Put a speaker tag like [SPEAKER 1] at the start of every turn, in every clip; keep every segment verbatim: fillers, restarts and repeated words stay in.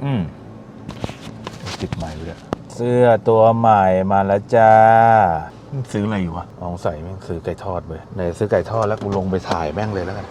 [SPEAKER 1] อืมติดใหม่ไปเลยเสื้อตัวใหม่มาแล้วจ้าซื้ออะไรอยู่วะลองใส่แม่งซื้อไก่ทอดไปไหนซื้อไก่ทอดแล้วกูลงไปถ่ายแม่งเลยแล้วกัน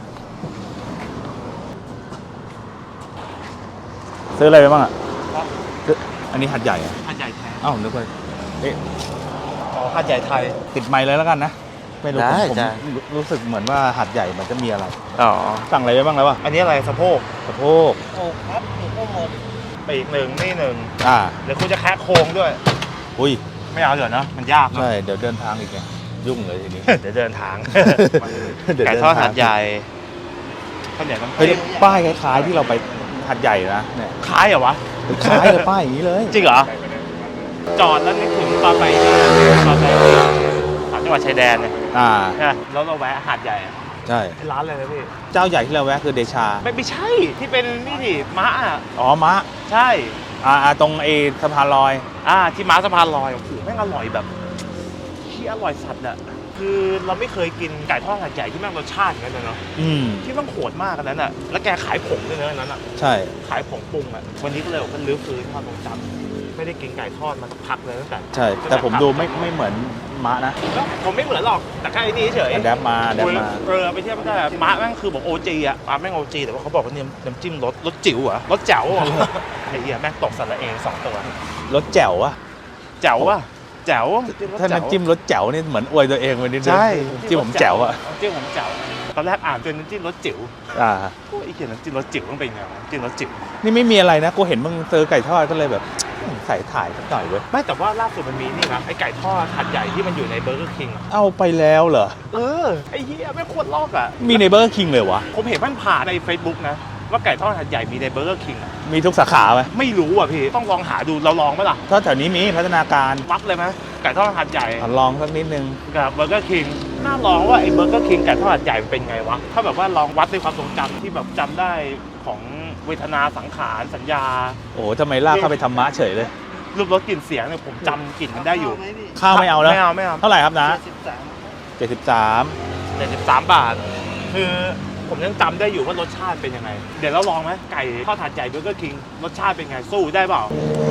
[SPEAKER 1] ซื้ออะไรไปบ้างอ่ะอันนี้หัดใหญ่อ่ะ
[SPEAKER 2] หัดใหญ่แท้
[SPEAKER 1] อ้าวนึกว่าเอ๊ะ
[SPEAKER 2] อ๋อหัดใหญ่ไทย
[SPEAKER 1] ติดไมค์เลยแล้วกันนะไม่รู้ผมรู้สึกเหมือนว่าหัดใหญ่มันจะมีอะไร
[SPEAKER 2] อ๋อ
[SPEAKER 1] สั่งอะไรไปบ้างแล้ววะ
[SPEAKER 2] อันนี้อะไรสะโพก
[SPEAKER 1] สะโพก
[SPEAKER 2] โอ้ครับถูกข้อมูลปีกหนึ่งนี่หนึ่ง
[SPEAKER 1] อ่า
[SPEAKER 2] เดี๋ยวคุณจะแคะโครงด้วย
[SPEAKER 1] อุ้ย
[SPEAKER 2] ไม่เอาเดี๋ยวนะมันยาก
[SPEAKER 1] ใช่เดี๋ยวเดินทางอีกไงยุ่งเลยทีนี้
[SPEAKER 2] เดี๋ยวเดินทางไก่ทอดหัดใหญ่ข้าวเหนียวน้ำเฮ้ย
[SPEAKER 1] ป้ายคล้ายๆที่เราไปหัดใหญ่นะเนี่ย
[SPEAKER 2] คล้ายเหรอวะ
[SPEAKER 1] คล้ายเลยป้ายอย่างนี้เลย
[SPEAKER 2] จริงเหรอจอดแล้วนึกถึงตอนไปตอนไปสามจังหวัดชายแดนเนี่ย
[SPEAKER 1] อ่า
[SPEAKER 2] แล้วเราแวะหาดใหญ่
[SPEAKER 1] ใช่
[SPEAKER 2] ร้านอะไรนะพี่
[SPEAKER 1] เจ้าใหญ่ที่เราแวะคือเดชา
[SPEAKER 2] ไม่ไม่ใช่ที่เป็นนี่ดิม้าอ่ะ
[SPEAKER 1] อ๋อม้า
[SPEAKER 2] ใช่
[SPEAKER 1] อ่าตรงไอ้สะพานลอย
[SPEAKER 2] อ่าที่ม้าสะพานลอยโอ้โหแม่งอร่อยแบบที่อร่อยสัตว์อ่ะคือเราไม่เคยกินไก่ทอดหาดใหญ่ที่แม่งรสชาติอย่างนั้นเลยเนาะที่มันโหดมากกันนั้นอ่ะแล้วแกขายผงด้วยนะนั้นอ่ะ
[SPEAKER 1] ใช่
[SPEAKER 2] ขายผงปรุงอ่ะวันนี้ก็เลยมันลื้อฟื้นความทรงจำไม่ได้กินไก่ทอดมาสักพักเลยตั้งแต่
[SPEAKER 1] ใช่แต่ผมดูไม่ไม่เหมือนม้านะ
[SPEAKER 2] ผมไม่เหมือนหรอกแต่แค่นี้เฉย
[SPEAKER 1] แดบมาแดบมา
[SPEAKER 2] เออไปเทียบไม่ได้ม้าแม่งคือบอกโอจีอ่ะม้าแม่งโอจีแต่ว่าเขาบอกว่าเนี่ยน้ำจิ้มรสรสจิ๋วอ่ะรสแจ๋วไอ้เหี้ยแม่งตกสันละเองสองตัว
[SPEAKER 1] รสแจ๋วอะ
[SPEAKER 2] แจ๋วอะแจ๋ว
[SPEAKER 1] ถ้าน้ำจิ้มรสแจ๋วนี่เหมือนอวยตัวเองไปนิดนึง
[SPEAKER 2] ใช่
[SPEAKER 1] จิ้มผมแจ๋วอะ
[SPEAKER 2] จิ้มผมแจ๋วตอนแรกอ่านเป็นน้ำจิ้มรสจิ๋ว
[SPEAKER 1] อ่า
[SPEAKER 2] ไอ้เขียนน้ำจิ้มรสจิ๋วต้องเป็นไงน้ำจิ้มรสจิ๋ว
[SPEAKER 1] นี่ไม่มีอะไรนะกูเห็นมึงซื้อไก่ทอดก็เลยแบบใส่ถ่ายสักหน่อยเว้ย
[SPEAKER 2] ไม่แต่ว่าล่าสุดมันมีนี่นะไอ้ไก่ทอดหัดใหญ่ที่มันอยู่ในเบอร์เกอร์คิง
[SPEAKER 1] เอาไปแล้วเหรอ
[SPEAKER 2] เออไอ้เหี้ยไม่ควรลอกอ่ะ
[SPEAKER 1] มีในเบอร์เกอร์คิงเลยวะ
[SPEAKER 2] ผมเห็นมันผ่านใน Facebook นะว่าไก่ทอดหัดใหญ่มีในเบอร์เกอร์คิง
[SPEAKER 1] มีทุกสาขาไหม
[SPEAKER 2] ไม่รู้อ่ะพี่ต้องลองหาดูเราลองไหมล่ะ
[SPEAKER 1] ถ้าแถวนี้มีพัฒนาการ
[SPEAKER 2] วัดเลยไหมไก่ทอดหัดใหญ่
[SPEAKER 1] ลองสักนิดนึง
[SPEAKER 2] กับเบอร์เกอร์คิงน่าลองว่าไอ้เบอร์เกอร์คิงไก่ทอดหัดใหญ่เป็นไงวะถ้าแบบว่าลองวัดในความทรงจำที่แบบจำได้ของเวทนาสังขารสัญญา
[SPEAKER 1] โอ้ทำไมลากเข้าไปธรรมะเฉยเลย
[SPEAKER 2] รูปรสกลิ่นเสียงเนี่ยผมจำกลิ่นมันได้อยู่
[SPEAKER 1] ข้าวไม่เอาแล้ว
[SPEAKER 2] ไม่เอาไม่เอา
[SPEAKER 1] เท่าไหร่ครับนะเจ็ดสิบสาม
[SPEAKER 2] เจ็ดสิบสามบาทคือผมยังจำได้อยู่ว่ารสชาติเป็นยังไงเดี๋ยวเราลองไหมไก่ทอดถาดใหญ่เบอร์เกอร์คิงรสชาติเป็นไงสู้ได้เปล่า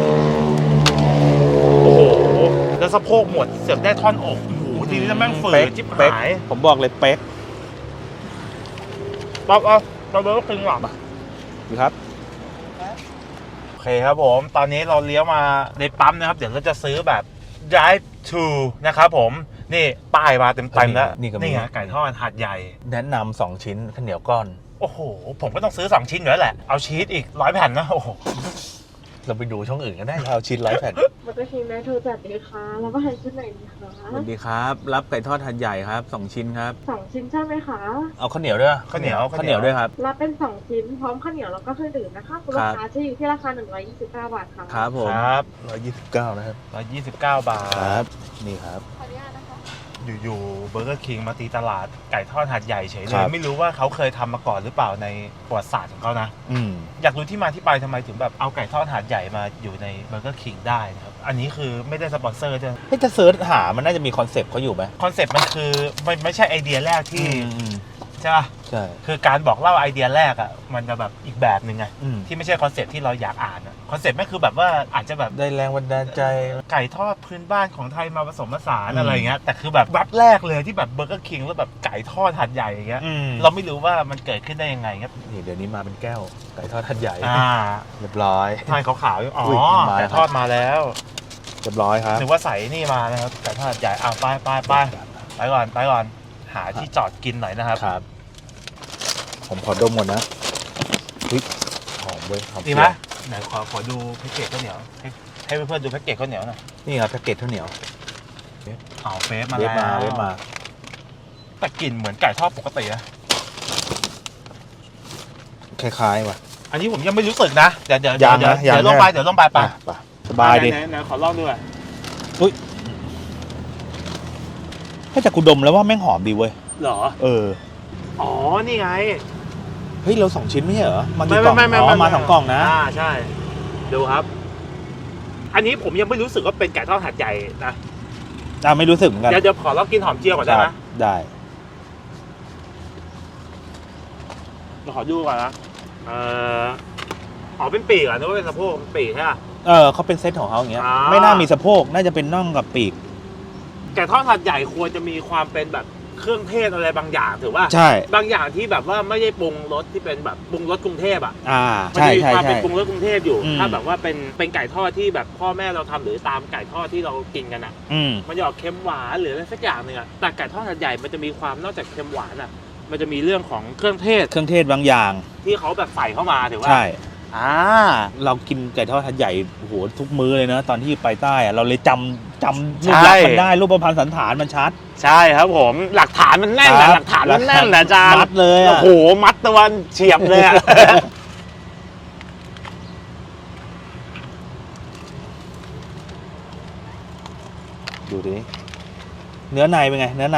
[SPEAKER 2] โอ้โหแล้วสะโพกหมดเสียบได้ท่อนอกโอ้โหทีนี้จะแม่งฝืนจิ๊บหาย
[SPEAKER 1] ผมบอกเลยเป๊ก
[SPEAKER 2] ป๊อปเอาเราเบอร์เกอร์คิงหรอ
[SPEAKER 1] ดูครับ
[SPEAKER 2] โอเคครับผมตอนนี้เราเลี้ยวมาในปั๊มนะครับเดี๋ยวเราจะซื้อแบบ drive to นะครับผมนี่ป้ายมาเต็มเต็มแล้วนี่ไงไก่ทอดหาดใหญ่
[SPEAKER 1] แนะนำสองชิ้นข้าวเหนียวก้อน
[SPEAKER 2] โอ้โหผมก็ต้องซื้อสองชิ้นอยู่แล้วแหละเอาชีสอีกร้อยแผ่นนะโอ้โห
[SPEAKER 1] เราไปดูช่องอื่นก็ได้เอาชิ้นร้อยแผ่น
[SPEAKER 3] มันก็ชิ้นได้โทรจัดดีค่ะแล้วก็ให้ชิ้นไหนดีคะ
[SPEAKER 1] สวัสดีครับรับไก่ทอดหาดใหญ่ครับสองชิ้นครับ
[SPEAKER 3] สองชิ้นใช่ไหมคะ
[SPEAKER 1] เอาข้าวเหนียวด้วย
[SPEAKER 2] ข้าวเหนียว
[SPEAKER 1] ข้าวเหนียวด้วยครับ
[SPEAKER 3] รับเป็นสองชิ้นพร้อมข้าวเหนียวแล้วก็เครื่องดื่มนะคะคุณลูกค้าจะอยู่ที่ราคาหนึ่งร้อยยี่สิบเก้าบาทค่ะ
[SPEAKER 1] ครับผม
[SPEAKER 2] ครับ
[SPEAKER 1] ร้อยยี่สิบเก้านะครับ
[SPEAKER 2] ร้อยยี่สิบเก้าบาท
[SPEAKER 1] ครับนี่ครับ
[SPEAKER 2] อยู่ๆเบอร์เกอร์คิงมาตีตลาดไก่ทอดหาดใหญ่เฉยเลยไม่รู้ว่าเขาเคยทำมาก่อนหรือเปล่าในประวัติศาสตร์ของเขานะ
[SPEAKER 1] อืม
[SPEAKER 2] อยากรู้ที่มาที่ไปทำไมถึงแบบเอาไก่ทอดหาดใหญ่มาอยู่ในเบอร์เกอร์คิงได้นะครับอันนี้คือไม่ได้สปอนเซอร์ด้วย
[SPEAKER 1] ให้จะเซิร์ชหามันน่าจะมีคอนเซปต์เขาอยู่ไหม
[SPEAKER 2] คอนเซปต์มันคือมันไม่ใช่ไอเดียแรกที่ใช่ป่ะ
[SPEAKER 1] ใช่
[SPEAKER 2] คือการบอกเล่าไอเดียแรกอ่ะมันจะแบบอีกแบบหนึ่งไงที่ไม่ใช่คอนเซปต์ที่เราอยากอ่านอ่ะคอนเซปต์ไม่คือแบบว่าอาจจะแบบ
[SPEAKER 1] ได้แรงบันดาลใจ
[SPEAKER 2] ไก่ทอดพื้นบ้านของไทยมาผสมผสานอะไรเงี้ยแต่คือแบบวัดแรกเลยที่แบบเบอร์เกอร์คิงแล้วแบบไก่ทอดหัดใหญ่อย่างเงี้ยเราไม่รู้ว่ามันเกิดขึ้นได้ยังไงครับ
[SPEAKER 1] นี่เดี๋ยวนี้มาเป็นแก้วไก่ทอดหัดใหญ่
[SPEAKER 2] อ่า
[SPEAKER 1] เรียบร้อย
[SPEAKER 2] ทานขาวๆอ๋อไก่ทอดมาแล้ว
[SPEAKER 1] เรียบร้อยครับ
[SPEAKER 2] นึกว่าใส่นี่มานะครับไก่ทอดหัดใหญ่อ่ะไปไปไปไปก่อนไปก่อนหาที่จอดกินหน่อยนะครับ
[SPEAKER 1] ครับผมขอดมหมดนะอุ๊ยหอมเว้ยหอม
[SPEAKER 2] ดีไหมไหนขอขอดูแพ็กเกจข้าวเหนียวให้ให้เพื่อนๆดูแพ็กเกจข้าวเหนียวหน่อย
[SPEAKER 1] นี่ครับแพ็กเกจข้าวเหนียว
[SPEAKER 2] อ๋อเฟซมาแล้ว
[SPEAKER 1] เฟซมาเฟซมา
[SPEAKER 2] แต่กลิ่นเหมือนไก่ทอดปกติอะ
[SPEAKER 1] คล้ายๆว่ะ
[SPEAKER 2] อันนี้ผมยังไม่รู้สึกนะเดี๋ยวเดี๋ยวเดี๋ยวเดี๋ยวลงไปเดี๋ยวลงไปไป
[SPEAKER 1] สบายดิ
[SPEAKER 2] ไหนขอลองดูอ่ะ
[SPEAKER 1] อุ้ยถ้าจากกูดมแล้วว่าแม่งหอมดีเว้ย
[SPEAKER 2] เหรอ
[SPEAKER 1] เออ
[SPEAKER 2] อ๋อนี่ไง
[SPEAKER 1] เฮ้ยเราสองชิ้นไม่ใช่เหรอมันกี่กล่องอ๋อมาสองกล่องนะ
[SPEAKER 2] อ่าใช่ดูครับอันนี้ผมยังไม่รู้สึกว่าเป็นไก่ทอดหัดใหญ่นะ
[SPEAKER 1] อ่าไม่รู้สึกเหมือนกัน
[SPEAKER 2] เดี๋ยวเดี๋ยวขอลองกินหอมเจียวก่อนได้ไหม
[SPEAKER 1] ได้
[SPEAKER 2] เราขอดูก่อนนะเอออ๋อเป็นปีกเหรอนึกว่าเป็นสะโพกเป็นปีกใช่ป่ะ
[SPEAKER 1] เออเขาเป็นเซตของเขาอย่างเงี้ย
[SPEAKER 2] อ่า
[SPEAKER 1] ไม่น่ามีสะโพกน่าจะเป็นน่องกับปีก
[SPEAKER 2] ไก่ทอดหัดใหญ่ควรจะมีความเป็นแบบเครื่องเทศอะไรบางอย่างถือว่า
[SPEAKER 1] ใช่
[SPEAKER 2] บางอย่างที่แบบว่าไม่ได้ปรุงรสที่เป็นแบบปรุงรสกรุงเทพอ่ะ
[SPEAKER 1] อ่า
[SPEAKER 2] มัน
[SPEAKER 1] ใช่
[SPEAKER 2] จะมี
[SPEAKER 1] ใช่
[SPEAKER 2] ความ
[SPEAKER 1] ใช่
[SPEAKER 2] เป็นปรุงรสกรุงเทพอยู่
[SPEAKER 1] อืม
[SPEAKER 2] ถ้าแบบว่าเป็นเป็นไก่ทอดที่แบบพ่อแม่เราทำหรือตามไก่ทอดที่เรากินกันอ่ะ
[SPEAKER 1] อืม
[SPEAKER 2] มันจะออกเค็มหวานหรืออะไรสักอย่างหนึ่งอ่ะแต่ไก่ทอดหัดใหญ่มันจะมีความนอกจากเค็มหวานอ่ะมันจะมีเรื่องของเครื่องเทศ
[SPEAKER 1] เครื่องเทศบางอย่าง
[SPEAKER 2] ที่เขาแบบใส่เข้ามาถือว่า
[SPEAKER 1] ใช่
[SPEAKER 2] อ่า
[SPEAKER 1] เรากินไก่ทอดทัดใหญ่โอ้โหทุกมื้อเลยนะ ตอนที่ไปใต้อะเราเลยจำจำรูปลักษณ์มันได้รูปพรรณสันฐานมันชัด
[SPEAKER 2] ใช่ครับผมหลักฐานมันแน่น
[SPEAKER 1] ครั
[SPEAKER 2] นะ
[SPEAKER 1] บ
[SPEAKER 2] หลักฐานมันแน่นนะอาจารย์
[SPEAKER 1] มัดเลยอะ
[SPEAKER 2] โอ้โหมัดตะวันเฉียบเลยอะ
[SPEAKER 1] ดูดิเนื้อในเป็นไง เนื้อใน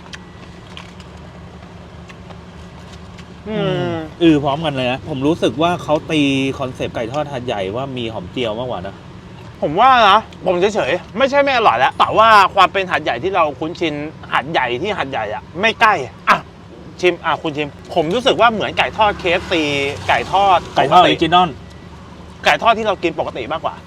[SPEAKER 2] อืม
[SPEAKER 1] อือพร้อมกันเลยนะ ผมรู้สึกว่าเขาตีคอนเซปต์ไก่ทอดหัดใหญ่ว่ามีหอมเจียวมากกว่านะ
[SPEAKER 2] ผมว่านะผมเฉยๆไม่ใช่ไม่อร่อยแล้วแต่ว่าความเป็นหัดใหญ่ที่เราคุ้นชินหัดใหญ่ที่หัดใหญ่อะไม่ใกล้อ่ะชิมอ่ะคุณชิม ผมรู้สึกว่าเหมือนไก่ทอด เค เอฟ ซี ไก่ทอด
[SPEAKER 1] ไก่ทอดออ
[SPEAKER 2] ป
[SPEAKER 1] ริจินอล
[SPEAKER 2] ไก่ทอดที่เรากินปกติมากกว่า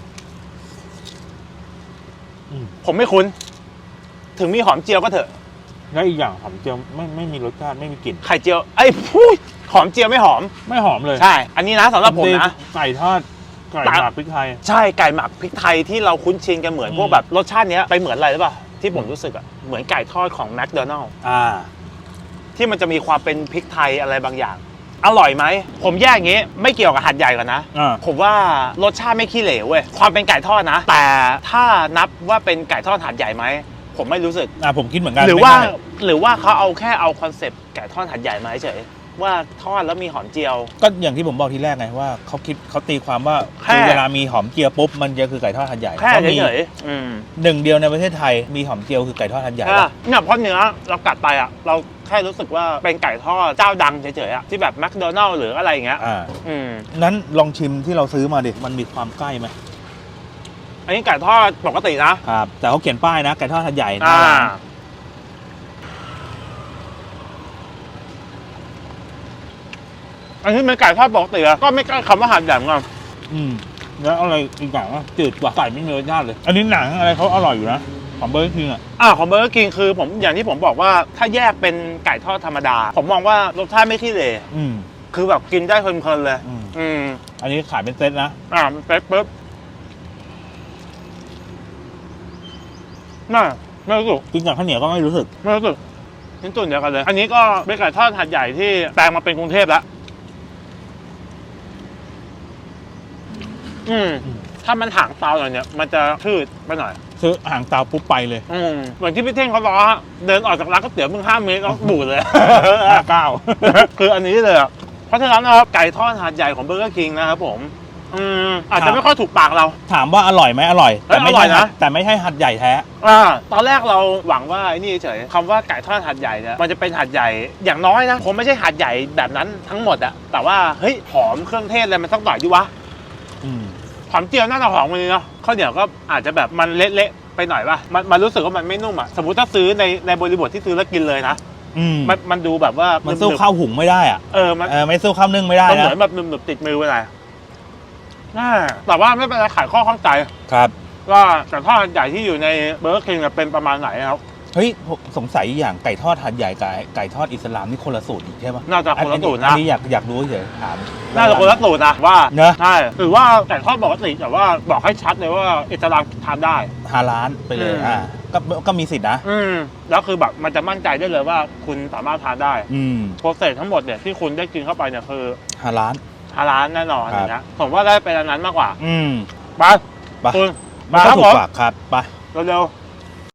[SPEAKER 1] อืม
[SPEAKER 2] ผมไม่คุ้น ถึงมีหอมเจียวก็เถอะ
[SPEAKER 1] แล้วอีกอย่างหอมเจียวไม่ไม่มีรสชาติไม่มีกลิ่น
[SPEAKER 2] ไข่เจียวไอ้ยพูดหอมเจียวไม่หอม
[SPEAKER 1] ไม่หอมเลย
[SPEAKER 2] ใช่ อันนี้นะสำหรับผมนะ
[SPEAKER 1] ไก่ทอดไก่หมักพริกไทย
[SPEAKER 2] ใช่ไก่หมักพริกไทยที่เราคุ้นชินกันเหมือน
[SPEAKER 1] อืม
[SPEAKER 2] พวกแบบรสชาติเนี้ยไปเหมือนอะไรหรือเปล่าที่ผม
[SPEAKER 1] อืม
[SPEAKER 2] รู้สึกอะเหมือนไก่ทอดของแมคโดนัลล์
[SPEAKER 1] อ่า
[SPEAKER 2] ที่มันจะมีความเป็นพริกไทยอะไรบางอย่าง อร่อยไหมผมแยกอย่างงี้ไม่เกี่ยวกับหัดใหญ่ก่อนนะ
[SPEAKER 1] อ่า
[SPEAKER 2] ผมว่ารสชาติไม่ขี้เหร่เว้ยความเป็นไก่ทอดนะ แต่ถ้านับว่าเป็นไก่ทอดหัดใหญ่ไหมผมไม่รู้สึก
[SPEAKER 1] อ่าผมคิดเหมือนกัน
[SPEAKER 2] หรือว่า
[SPEAKER 1] ไม่ได้
[SPEAKER 2] หรือว่าเขาเอาแค่เอาคอนเซปต์ไก่ทอดหัดใหญ่มาเฉยๆว่าทอดแล้วมีหอมเจียว
[SPEAKER 1] ก็อย่างที่ผมบอกทีแรกไงว่าเขาคิดเขาตีความว่า
[SPEAKER 2] แค่
[SPEAKER 1] คือเวลามีหอมเจียวปุ๊บมันจะคือไก่ทอดหัดใหญ่
[SPEAKER 2] แค่
[SPEAKER 1] ก็มี
[SPEAKER 2] เฉยๆอืม
[SPEAKER 1] หนึ่งเดียวในประเทศไทยมีหอมเจียวคือไก่ทอดหัดใหญ่
[SPEAKER 2] ใช่
[SPEAKER 1] ปะ
[SPEAKER 2] ปะเนี่ยเพราะเนื้อเรากัดไปอ่ะเราแค่รู้สึกว่าเป็นไก่ทอดเจ้าดังเฉยๆอ่ะที่แบบแมคโดนัลล์หรืออะไรอย่างเงี้ย
[SPEAKER 1] อ่า
[SPEAKER 2] อืม
[SPEAKER 1] นั้นลองชิมที่เราซื้อมาดิมันมีความใกล้ไหม
[SPEAKER 2] อันนี้ไก่ทอดปกตินะครับ
[SPEAKER 1] แต่เขาเขียนป้ายนะไก่ทอดหัดใหญ่ห
[SPEAKER 2] อ่า
[SPEAKER 1] น้าร้าน
[SPEAKER 2] อันนี้เป็นไก่ทอดปกติอะก็ไม่ใกล้คำว่าหัดใหญ่เหมือนกัน
[SPEAKER 1] อืมแล้วอะไรอีกอย่างว่าจืดกว่าไก่ไม่มีรสชาติเลย อันนี้หนังอะไรเขาอร่อยอยู่นะของเบอร์เกอร์คิงอ่ะ
[SPEAKER 2] อ่าของเบอร์เกอร์คิงคือผมอย่างที่ผมบอกว่าถ้าแยกเป็นไก่ทอดธรรมดา ผมมองว่ารสชาติไม่ขี้เหร่
[SPEAKER 1] อืม
[SPEAKER 2] คือแบบกินได้เพลินๆเลย
[SPEAKER 1] อืม
[SPEAKER 2] อืม
[SPEAKER 1] อันนี้ขายเป็นเซตนะ
[SPEAKER 2] อ่ามันเป๊ะปุ๊บน่าไม่รู้สึก
[SPEAKER 1] กินกับข้าวเหนียวก็ไม่รู้สึก
[SPEAKER 2] ไม่รู้สึกชิ้นส่วนเดียวกันเลย อันนี้ก็เป็นไก่ทอดหัดใหญ่ที่แปลงมาเป็นกรุงเทพแล้วอืม
[SPEAKER 1] อืม
[SPEAKER 2] ถ้ามันห่างเตาหน่อยเนี่ยมันจะชืดไปหน่อย
[SPEAKER 1] ซื้อห่างเตาปุ๊บไปเลย
[SPEAKER 2] อืมเหมือนที่พี่เท่งเขาล้อเดินออกจากร้านก๋วยเตี๋ยวมึงห้าเมตรแล้วบูดเลย
[SPEAKER 1] ห้าเก้า
[SPEAKER 2] คืออันนี้เลยอะเพราะฉะนั้นนะครับไก่ทอดหาดใหญ่ของเบอร์เกอร์คิงนะครับผมอืมอาจ
[SPEAKER 1] ครั
[SPEAKER 2] จะ
[SPEAKER 1] บ
[SPEAKER 2] ไม่ค่อยถูกปากเรา
[SPEAKER 1] ถามว่าอร่อยไหมอร่อย แต่ไม่
[SPEAKER 2] เอ้ยอร่
[SPEAKER 1] ใช่
[SPEAKER 2] อยนะ
[SPEAKER 1] แต่ไม่ใช่หัดใหญ่แท้
[SPEAKER 2] อ่าตอนแรกเราหวังว่าไอ้นี่เฉยคำว่าไก่ทอดหาดใหญ่เนี่ยมันจะเป็นหาดใหญ่อย่างน้อยนะคงไม่ใช่หาดใหญ่แบบนั้นทั้งหมดอะแต่ว่าเฮ้ยหอมเครื่องเทศอะไรมันสักหน่อยดิวะ
[SPEAKER 1] อืม
[SPEAKER 2] หอมเจียวน่าจะหอมกว่านี้เนาะข้าวเหนียวก็อาจจะแบบมันเละๆไปหน่อยป่ะมันมันรู้สึกว่ามันไม่นุ่มอะสมมติถ้าซื้อในในบริบทที่ซื้อแล้วกินเลยนะ
[SPEAKER 1] อืม
[SPEAKER 2] มันมันดูแบบว่า
[SPEAKER 1] มั
[SPEAKER 2] มัน
[SPEAKER 1] สู้ข้าวหุงไม่ได้อ่ะ
[SPEAKER 2] เออมัน
[SPEAKER 1] เออไม่สู้ข้าวนึ่งไม่ได้
[SPEAKER 2] มันเห
[SPEAKER 1] นะ
[SPEAKER 2] มือนแบบหนึบๆติดมือไปเลยน่าแต่ว่าไม่เป็นไรขายข้อข้องใจ
[SPEAKER 1] ครับ
[SPEAKER 2] ว่าไก่ทอดใหญ่ที่อยู่ในเบอร์เกอร์คิงเป็นประมาณไหนครับ
[SPEAKER 1] เฮ้ยผมสงสัยอย่างไก่ทอดหัดใหญ่กับไก่ทอดอิสลามนี่คนละสูตรอีกใช่ปะ
[SPEAKER 2] น่าจะคนละสูตร
[SPEAKER 1] อั
[SPEAKER 2] นะ
[SPEAKER 1] นนี้อยากอยากรู้เฉยถาม
[SPEAKER 2] น่าจะคนละสูตรนะว่า
[SPEAKER 1] เนอะ
[SPEAKER 2] ใช่หรือว่าไก่ทอดปกติแต่ว่าบอกให้ชัดเลยว่าอิสลามทานได้
[SPEAKER 1] ฮาล้านไปเลย
[SPEAKER 2] อืม
[SPEAKER 1] อ่าก็ก็มีสิทธินะ
[SPEAKER 2] อืมแล้วคือแบบมันจะมั่นใจได้เลยว่าคุณสามารถทานได้
[SPEAKER 1] อืม
[SPEAKER 2] โปรเซสทั้งหมดเนี่ยที่คุณได้กินเข้าไปเนี่ยคือ
[SPEAKER 1] ฮาล้าน
[SPEAKER 2] ฮาลาลแน่นอน
[SPEAKER 1] ครับ
[SPEAKER 2] อย่างเงี้ยผมว่าได้เป็นอันนั้นมากกว่า
[SPEAKER 1] อืม
[SPEAKER 2] ไป
[SPEAKER 1] ไป
[SPEAKER 2] คุณ
[SPEAKER 1] มัน
[SPEAKER 2] มาค
[SPEAKER 1] ก็
[SPEAKER 2] รับ
[SPEAKER 1] ถู
[SPEAKER 2] ผ
[SPEAKER 1] ก
[SPEAKER 2] ม
[SPEAKER 1] ปากครับไป
[SPEAKER 2] เร็วๆ